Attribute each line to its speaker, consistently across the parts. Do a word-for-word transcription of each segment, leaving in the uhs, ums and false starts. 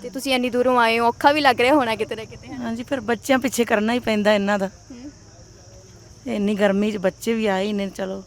Speaker 1: ਤੇ ਤੁਸੀਂ ਇੰਨੀ ਦੂਰੋਂ ਆਏ ਹੋ, ਔਖਾ ਵੀ ਲੱਗ ਰਿਹਾ ਹੋਣਾ ਕਿਤੇ ਨਾ ਕਿਤੇ, ਹੈ ਨਾ?
Speaker 2: ਹਾਂਜੀ, ਫਿਰ ਬੱਚਿਆਂ ਪਿੱਛੇ ਕਰਨਾ ਹੀ ਪੈਂਦਾ ਇਹਨਾਂ ਦਾ। ਇੰਨੀ ਗਰਮੀ 'ਚ ਬੱਚੇ ਵੀ ਆਏ ਹੀ ਨੇ, ਚਲੋ।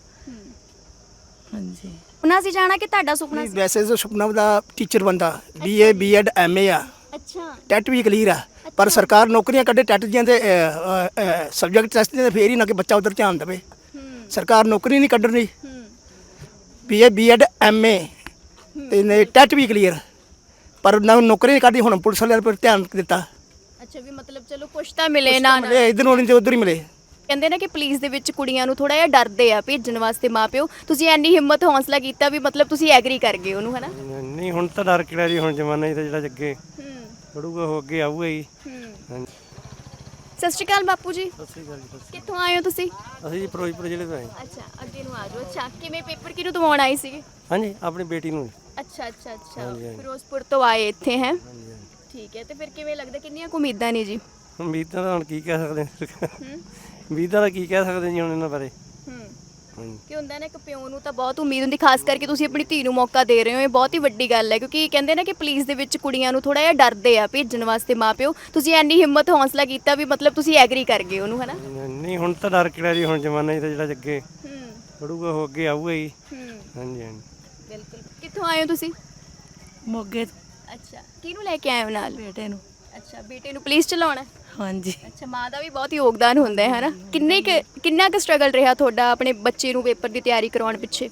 Speaker 2: ਹਾਂਜੀ।
Speaker 1: ਉਹਨਾਂ ਸੀ ਜਾਣਾ ਕਿ ਤੁਹਾਡਾ ਸੁਪਨਾ
Speaker 3: ਨਹੀਂ
Speaker 1: ਸੀ?
Speaker 3: ਵੈਸੇ ਤਾਂ ਸੁਪਨਾ ਦਾ ਟੀਚਰ ਬੰਦਾ ਬੀਏ ਬੀਐਡ ਐਮਏ ਆ,
Speaker 1: ਅੱਛਾ
Speaker 3: ਟੈਟ ਵੀ ਕਲੀਅਰ ਆ, ਪਰ
Speaker 1: ਅੱਛਾ।
Speaker 3: ਸਰਕਾਰ ਨੌਕਰੀਆਂ ਕੱਢੇ ਟੈਟ ਦੀਆਂ ਤੇ ਸਬਜੈਕਟ ਟੈਸਟ ਦੀਆਂ, ਫੇਰ ਹੀ ਨਾ ਕਿ ਬੱਚਾ ਉਧਰ ਧਿਆਨ ਦੇਵੇ।
Speaker 1: ਹੂੰ
Speaker 3: ਸਰਕਾਰ ਨੌਕਰੀ ਨਹੀਂ ਕੱਢ ਰਹੀ।
Speaker 1: ਹੂੰ
Speaker 3: ਬੀਏ ਬੀਐਡ ਐਮਏ ਤੇ ਨੇ ਟੈਟ ਵੀ ਕਲੀਅਰ, ਪਰ ਨਾ ਨੌਕਰੀ ਨਹੀਂ ਕੱਢੀ। ਹੁਣ ਪੁਲਿਸ ਵਾਲਿਆਂ ਪਰ ਧਿਆਨ ਦਿੱਤਾ,
Speaker 1: ਅੱਛਾ, ਵੀ ਮਤਲਬ ਚਲੋ ਕੁਛ ਤਾਂ ਮਿਲੇ
Speaker 3: ਕੁਛ
Speaker 1: ਨਾ
Speaker 3: ਤਾਂ
Speaker 1: ਨਾ।
Speaker 3: ਮਿਲੇ, ਇੱਧਰ ਨੂੰ ਨਹੀਂ ਤੇ ਉੱਧਰ ਹੀ ਮਿਲੇ।
Speaker 1: ਕਹਿੰਦੇ ਨੇ ਕਿ ਪੁਲਿਸ ਦੇ ਵਿੱਚ ਕੁੜੀਆਂ ਨੂੰ ਥੋੜਾ ਜਿਹਾ ਡਰਦੇ ਆ ਭੇਜਣ ਵਾਸਤੇ ਮਾਪਿਓ, ਤੁਸੀਂ ਇੰਨੀ ਹਿੰਮਤ ਹੌਸਲਾ ਕੀਤਾ ਵੀ ਮਤਲਬ ਤੁਸੀਂ ਐਗਰੀ ਕਰ ਗਏ ਉਹਨੂੰ, ਹਨਾ?
Speaker 4: ਨਹੀਂ ਹੁਣ ਤਾਂ ਡਰ ਕਿਹੜਾ ਜੀ, ਹੁਣ ਜ਼ਮਾਨਾ ਹੀ ਤਾਂ ਜਿਹੜਾ ਅੱਗੇ
Speaker 1: ਹੂੰ
Speaker 4: ਪੜੂਗਾ ਉਹ ਅੱਗੇ ਆਊਗਾ ਜੀ।
Speaker 1: ਹੂੰ।
Speaker 4: ਹਾਂਜੀ।
Speaker 1: ਸਤਿ ਸ਼੍ਰੀ ਅਕਾਲ ਬਾਪੂ ਜੀ,
Speaker 4: ਸਤਿ ਸ੍ਰੀ ਅਕਾਲ ਜੀ। ਸਤਿ ਸ੍ਰੀ
Speaker 1: ਕਿੱਥੋਂ ਆਏ ਹੋ ਤੁਸੀਂ?
Speaker 4: ਅਕਾਲ। ਅਸੀਂ ਜੀ ਫਿਰੋਜ਼ਪੁਰ ਜ਼ਿਲ੍ਹੇ ਤੋਂ ਆਏ।
Speaker 1: ਅੱਛਾ, ਅੱਗੇ ਨੂੰ ਆ ਜਾਓ। ਅੱਛਾ, ਕਿਵੇਂ ਪੇਪਰ ਕਿਹਨੂੰ ਦਵਾਉਣ ਆਏ ਸੀਗੇ?
Speaker 4: ਹਾਂਜੀ, ਆਪਣੀ ਬੇਟੀ ਨੂੰ।
Speaker 1: ਅੱਛਾ ਅੱਛਾ ਅੱਛਾ,
Speaker 4: ਹਾਂਜੀ, ਹਾਂਜੀ।
Speaker 1: ਫਿਰੋਜ਼ਪੁਰ ਤੋਂ ਆਏ ਇੱਥੇ, ਹੈ?
Speaker 4: ਹਾਂਜੀ ਹਾਂਜੀ।
Speaker 1: ਠੀਕ ਹੈ, ਤੇ ਫਿਰ ਕਿਵੇਂ ਲੱਗਦਾ, ਕਿੰਨੀਆਂ ਕੁ ਉਮੀਦਾਂ ਨੇ ਜੀ?
Speaker 4: ਉਮੀਦਾਂ ਦਾ ਹੁਣ ਕੀ ਕਹਿ ਸਕਦੇ ਹਾਂ,
Speaker 1: ਹੂੰ
Speaker 4: ਉਮੀਦਾਂ ਦਾ ਕੀ ਕਹਿ ਸਕਦੇ ਜੀ ਹੁਣ ਇਹਨਾਂ ਬਾਰੇ।
Speaker 1: ਹੂੰ।
Speaker 4: ਹਾਂਜੀ।
Speaker 1: ਕਿ ਹੁੰਦਾ ਨਾ, ਇੱਕ ਪਿਓ ਨੂੰ ਤਾਂ ਬਹੁਤ ਉਮੀਦ ਹੁੰਦੀ, ਖਾਸ ਕਰਕੇ ਤੁਸੀਂ ਆਪਣੀ ਧੀ ਨੂੰ ਮੌਕਾ ਦੇ ਰਹੇ ਹੋ, ਇਹ ਬਹੁਤ ਹੀ ਵੱਡੀ ਗੱਲ ਹੈ। ਕਿਉਂਕਿ ਕਹਿੰਦੇ ਨਾ ਕਿ ਪੁਲਿਸ ਦੇ ਵਿੱਚ ਕੁੜੀਆਂ ਨੂੰ ਥੋੜਾ ਜਿਹਾ ਡਰਦੇ ਆ ਭੇਜਣ ਵਾਸਤੇ ਮਾਪਿਓ, ਤੁਸੀਂ ਇੰਨੀ ਹਿੰਮਤ ਹੌਸਲਾ ਕੀਤਾ ਵੀ ਮਤਲਬ ਤੁਸੀਂ ਐਗਰੀ ਕਰ ਗਏ ਉਹਨੂੰ, ਹਨਾ?
Speaker 4: ਨਹੀਂ ਹੁਣ ਤਾਂ ਡਰ ਕਿਹੜਾ ਜੀ, ਹੁਣ ਜ਼ਮਾਨਾ ਹੀ ਤਾਂ ਜਿਹੜਾ ਅੱਗੇ
Speaker 1: ਹੂੰ
Speaker 4: ਪੜੂਗਾ ਉਹ ਅੱਗੇ ਆਊਗਾ ਜੀ।
Speaker 1: ਹੂੰ।
Speaker 4: ਹਾਂਜੀ ਹਾਂਜੀ।
Speaker 1: ਬਿਲਕੁਲ। ਕਿੱਥੋਂ ਆਏ ਹੋ ਤੁਸੀਂ?
Speaker 2: ਮੋਗੇ ਤੋਂ
Speaker 1: ਅੱਛਾ, ਕਿਹਨੂੰ ਲੈ ਕੇ ਆਏ ਹੋ ਨਾਲ?
Speaker 2: ਬੇਟੇ ਨੂੰ।
Speaker 1: ਅੱਛਾ, ਬੇਟੇ ਨੂੰ ਪੁਲਿਸ ਚਲਾਉਣਾ?
Speaker 2: ਹਾਂਜੀ।
Speaker 1: ਅੱਛਾ, ਮਾਂ ਦਾ ਵੀ ਬਹੁਤ ਯੋਗਦਾਨ ਹੁੰਦਾ ਹੈ, ਹਨਾ? ਕਿੰਨੇ ਕੁ ਕਿੰਨਾ ਕੁ ਸਟਰਗਲ ਰਿਹਾ ਤੁਹਾਡਾ ਆਪਣੇ ਬੱਚੇ ਨੂੰ ਪੇਪਰ ਦੀ ਤਿਆਰੀ ਕਰਵਾਉਣ ਪਿੱਛੇ?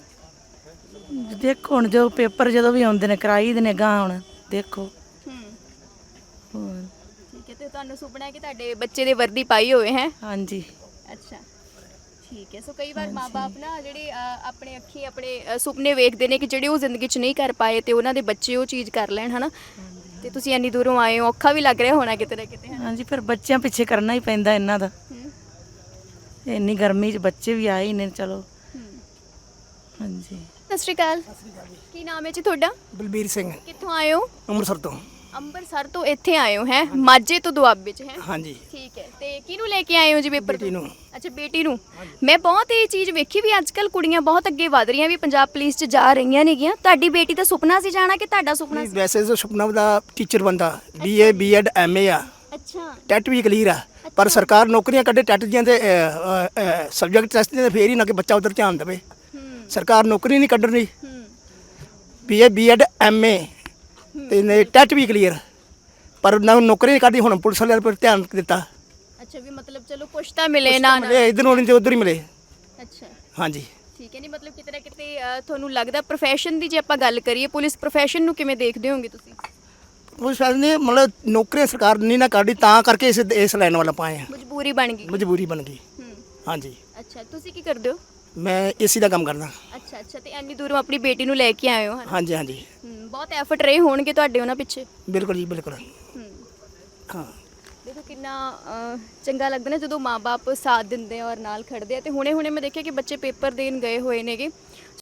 Speaker 2: ਦੇਖੋ ਹੁਣ ਜੋ ਪੇਪਰ ਜਦੋਂ ਵੀ ਆਉਂਦੇ ਨੇ ਕਰਾਈ ਦੇ ਨੇ, ਗਾਂ ਹੁਣ ਦੇਖੋ।
Speaker 1: ਹੂੰ।
Speaker 2: ਹੋਰ।
Speaker 1: ਠੀਕ ਹੈ, ਤੇ ਤੁਹਾਨੂੰ ਸੁਪਨਾ ਹੈ ਕਿ ਤੁਹਾਡੇ ਬੱਚੇ ਦੇ ਵਰਦੀ ਪਾਈ ਹੋਵੇ, ਹੈ?
Speaker 2: ਹਾਂਜੀ।
Speaker 1: ਅੱਛਾ, ਠੀਕ ਹੈ। ਸੋ ਕਈ ਵਾਰ ਮਾਪੇ ਨਾ ਜਿਹੜੇ ਅ, ਆਪਣੇ ਅੱਖੀ ਆਪਣੇ ਅ, ਸੁਪਨੇ ਵੇਖਦੇ ਨੇ ਕਿ ਜਿਹੜੇ ਉਹ ਜ਼ਿੰਦਗੀ 'ਚ ਨਹੀਂ ਕਰ ਪਾਏ ਤੇ ਉਹਨਾਂ ਦੇ ਬੱਚੇ ਉਹ ਚੀਜ਼ ਕਰ ਲੈਣ, ਹਨਾ? ਤੇ ਤੁਸੀਂ ਇੰਨੀ ਦੂਰੋਂ ਆਏ ਹੋ, ਔਖਾ ਵੀ ਲੱਗ ਰਿਹਾ ਹੋਣਾ ਕਿਤੇ ਨਾ ਕਿਤੇ, ਹਨਾ?
Speaker 2: ਹਾਂਜੀ, ਫਿਰ ਬੱਚਿਆਂ ਪਿੱਛੇ ਕਰਨਾ ਹੀ ਪੈਂਦਾ ਇਹਨਾਂ ਦਾ।
Speaker 1: ਹੂੰ
Speaker 2: ਇੰਨੀ ਗਰਮੀ 'ਚ ਬੱਚੇ ਵੀ ਆਏ ਹੀ ਨੇ, ਚਲੋ।
Speaker 1: ਹੂੰ।
Speaker 2: ਹਾਂਜੀ।
Speaker 1: ਸਤਿ ਸ਼੍ਰੀ ਅਕਾਲ। ਕੀ ਨਾਮ ਹੈ ਜੀ ਤੁਹਾਡਾ?
Speaker 3: ਬਲਬੀਰ ਸਿੰਘ,
Speaker 1: ਕਿੱਥੋਂ ਆਏ ਹੋ?
Speaker 3: ਅੰਮ੍ਰਿਤਸਰ ਤੋਂ।
Speaker 1: ਅੰਮ੍ਰਿਤਸਰ ਤੋਂ ਇੱਥੇ ਆਏ ਹੋ, ਹੈ? ਮਾਝੇ ਤੋਂ ਦੁਆਬੇ 'ਚ, ਹੈ?
Speaker 3: ਹਾਂਜੀ।
Speaker 1: ਠੀਕ ਹੈ, ਤੇ ਕਿਹਨੂੰ ਲੈ ਕੇ ਆਏ ਹੋ ਜੀ ਪੇਪਰ
Speaker 3: ਬੇਟੀ
Speaker 1: ਤੋਂ?
Speaker 3: ਨੂੰ।
Speaker 1: ਅੱਛਾ, ਬੇਟੀ ਨੂੰ। ਮੈਂ ਬਹੁਤ ਇਹ ਚੀਜ਼ ਵੇਖੀ ਵੀ ਅੱਜ ਕੱਲ ਕੁੜੀਆਂ ਬਹੁਤ ਅੱਗੇ ਵਧ ਰਹੀਆਂ, ਵੀ ਪੰਜਾਬ ਪੁਲਿਸ 'ਚ ਜਾ ਰਹੀਆਂ ਨੇਗੀਆਂ। ਤੁਹਾਡੀ ਬੇਟੀ ਦਾ ਸੁਪਨਾ ਸੀ ਜਾਣਾ ਕਿ ਤੁਹਾਡਾ ਸੁਪਨਾ
Speaker 3: ਨਹੀਂ
Speaker 1: ਸੀ?
Speaker 3: ਵੈਸੇ ਤਾਂ ਸੁਪਨਾ ਦਾ ਟੀਚਰ ਬੰਦਾ ਬੀਏ ਬੀਐਡ ਐਮਏ ਆ,
Speaker 1: ਅੱਛਾ
Speaker 3: ਟੈਟ ਵੀ ਕਲੀਅਰ ਆ, ਪਰ ਸਰਕਾਰ ਨੌਕਰੀਆਂ ਕੱਢੇ ਟੈਟ ਦੀਆਂ ਤੇ ਸਬਜੈਕਟ ਟੈਸਟ ਦੀਆਂ, ਫੇਰ ਹੀ ਨਾ ਕਿ ਬੱਚਾ ਉਧਰ ਧਿਆਨ ਦੇਵੇ।
Speaker 1: ਹੂੰ
Speaker 3: ਸਰਕਾਰ ਨੌਕਰੀ ਨਹੀਂ ਕੱਢ ਰਹੀ।
Speaker 1: ਹੂੰ
Speaker 3: ਬੀਏ ਬੀਐਡ ਐਮਏ ਤੇ ਨੇ ਟੈਟ ਵੀ ਕਲੀਅਰ, ਪਰ ਨਾ ਨੌਕਰੀ ਨਹੀਂ ਕੱਢੀ। ਹੁਣ ਪੁਲਿਸ ਵਾਲਿਆਂ ਪਰ ਧਿਆਨ ਦਿੱਤਾ,
Speaker 1: ਅੱਛਾ, ਵੀ ਮਤਲਬ ਚਲੋ ਕੁਛ ਤਾਂ ਮਿਲੇ
Speaker 3: ਕੁਛ
Speaker 1: ਨਾ
Speaker 3: ਤਾਂ
Speaker 1: ਨਾ।
Speaker 3: ਮਿਲੇ, ਇੱਧਰ ਨੂੰ ਨਹੀਂ ਤੇ ਉੱਧਰ ਹੀ ਮਿਲੇ।
Speaker 1: ਅੱਛਾ,
Speaker 3: ਹਾਂਜੀ।
Speaker 1: ਠੀਕ ਹੈ। ਨਹੀਂ ਮਤਲਬ ਕਿਤੇ ਨਾ ਕਿਤੇ ਅ, ਤੁਹਾਨੂੰ ਲੱਗਦਾ ਪ੍ਰੋਫੈਸ਼ਨ ਦੀ ਜੇ ਆਪਾਂ ਗੱਲ ਕਰੀਏ, ਪੁਲਿਸ ਪ੍ਰੋਫੈਸ਼ਨ ਨੂੰ ਕਿਵੇਂ ਦੇਖਦੇ ਹੋਗੇ ਤੁਸੀਂ?
Speaker 3: ਪੁਲਿਸ ਵਾਲੇ ਨੇ ਮਤਲਬ ਨੌਕਰੀਆਂ ਸਰਕਾਰ ਨਹੀਂ ਨਾ ਕੱਢੀ, ਤਾਂ ਕਰਕੇ ਇਸ ਇਸ ਲਾਈਨ ਵੱਲ ਪਾਏ ਆ।
Speaker 1: ਮਜਬੂਰੀ ਬਣ ਗਈ?
Speaker 3: ਮਜਬੂਰੀ ਬਣ ਗਈ।
Speaker 1: ਹੂੰ।
Speaker 3: ਹਾਂਜੀ।
Speaker 1: ਅੱਛਾ, ਤੁਸੀਂ ਕੀ ਕਰਦੇ ਹੋ?
Speaker 3: ਮੈਂ ਏਸੀ ਦਾ ਕੰਮ ਕਰਦਾ।
Speaker 1: ਅੱਛਾ ਅੱਛਾ, ਤੇ ਇੰਨੀ ਦੂਰੋਂ ਆਪਣੀ ਬੇਟੀ ਨੂੰ ਲੈ ਕੇ ਆਏ ਹੋ, ਹਨਾ?
Speaker 3: ਹਾਂਜੀ ਹਾਂਜੀ।
Speaker 1: ਹੂੰ, ਬਹੁਤ ਐਫਰਟ ਰਹੇ ਹੋਣਗੇ ਤੁਹਾਡੇ ਉਹਨਾਂ ਪਿੱਛੇ।
Speaker 3: ਬਿਲਕੁਲ ਜੀ ਬਿਲਕੁਲ।
Speaker 1: ਹੂੰ।
Speaker 3: ਹਾਂ।
Speaker 1: ਦੇਖੋ ਕਿੰਨਾ ਅ, ਚੰਗਾ ਲੱਗਦਾ ਨਾ ਜਦੋਂ ਮਾਪੇ ਸਾਥ ਦਿੰਦੇ ਆ ਔਰ ਨਾਲ ਖੜਦੇ ਆ। ਤੇ ਹੁਣੇ ਹੁਣੇ ਮੈਂ ਦੇਖਿਆ ਕਿ ਬੱਚੇ ਪੇਪਰ ਦੇਣ ਗਏ ਹੋਏ ਨੇਗੇ,